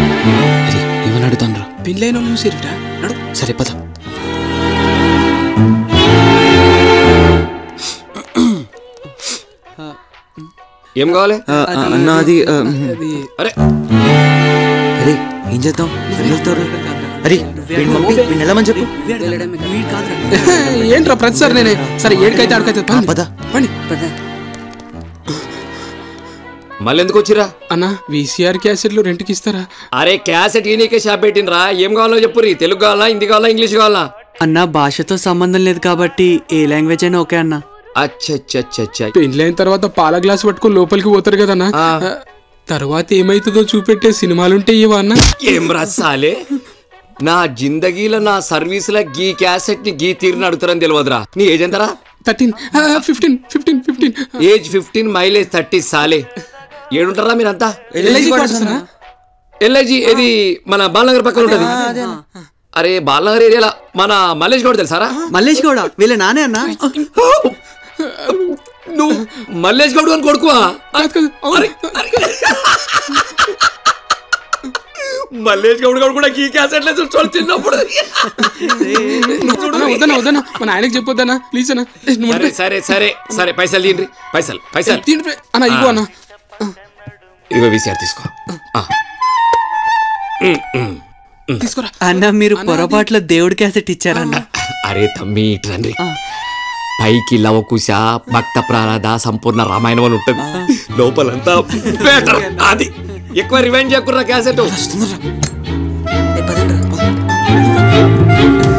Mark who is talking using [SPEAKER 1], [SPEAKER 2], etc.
[SPEAKER 1] ఏమని అడుగుతాను రా?
[SPEAKER 2] పెళ్ళైన చూసిరుట నడు.
[SPEAKER 1] సరే పద.
[SPEAKER 3] ఏం కావాలి
[SPEAKER 1] అన్న? అది
[SPEAKER 3] అరే
[SPEAKER 1] అరే ఏం చేద్దాం? వెళ్తారు. అరే వెళ్ళమని చెప్పు.
[SPEAKER 2] ఏంట్రా ప్రతిసారి నేనే? సరే ఏడికైతే ఆడికైతే
[SPEAKER 1] పద
[SPEAKER 2] పని.
[SPEAKER 3] మళ్ళీ ఎందుకు వచ్చిరా
[SPEAKER 2] అన్న? వీసీఆర్ క్యాసెట్లు రెంట్కి ఇస్తారా?
[SPEAKER 3] అరే క్యాసెట్ ఈయనకే షాప్ పెట్టినరా. ఏం కావాలో చెప్పురి. తెలుగు కావాలా, హిందీ కావాలా, ఇంగ్లీష్ కావాలా?
[SPEAKER 4] అన్న భాషతో సంబంధం లేదు కాబట్టి ఏ లాంగ్వేజ్ అయినా ఓకే అన్న.
[SPEAKER 3] అచ్చచ్చచ్చచ్చ.
[SPEAKER 2] పెళ్ళైన తర్వాత పాల గ్లాస్ పట్టుకుని లోపలికి పోతారు కదన్నా. తర్వాత ఏమైతుందో చూపెట్టే సినిమాలుంటే ఇవా అన్న?
[SPEAKER 3] ఏం రసాలే, నా జిందగీలో నా సర్వీసుల గీ క్యాసెట్ ని గీ తీరుని అడుగుతారని తెలియదురా. నీ ఏజ్ ఎంతరా?
[SPEAKER 2] 13, 15.
[SPEAKER 3] ఏజ్ 15, మైలేజ్ 30 సాలే. ఏడుంటారా మీరంతా? ఎల్ఐజీ ఇది మన బాలనగర్ పక్కన ఉంటది. అరే బాలనగర్ ఏరియాలో మన మల్లేష్ గౌడ్ తెలుసారా?
[SPEAKER 4] మల్లేష్ గౌడ వీళ్ళ నానే అన్న.
[SPEAKER 3] నువ్వు మల్లేష్ గౌడ్ అని కొడుకువా? మల్లేష్ గౌడ్ గౌడ్ కూడా ఈ క్యాసెట్లే చూసుకోవాలి చిన్నప్పుడు.
[SPEAKER 2] వద్దనా మన ఆయనకి చెప్పొద్దనా ప్లీజ్ అన్న.
[SPEAKER 3] సరే సరే సరే పైసలు తీయండి. పైసలు
[SPEAKER 2] అన్న ఇగో అన్న.
[SPEAKER 3] ఇగో వీసీఆర్ తీసుకో.
[SPEAKER 2] తీసుకోరా
[SPEAKER 4] అన్న. మీరు పొరపాట్లో దేవుడి క్యాసెట్ ఇచ్చారన్న.
[SPEAKER 3] అరే తమ్మి ఇట్రండి. పైకి లవకుశ, భక్త ప్రారాధ, సంపూర్ణ రామాయణం అని ఉంటుంది. లోపలంతా బెటర్. అది ఎక్కువ రివైండ్ చేయకుర్రా క్యాసెట్.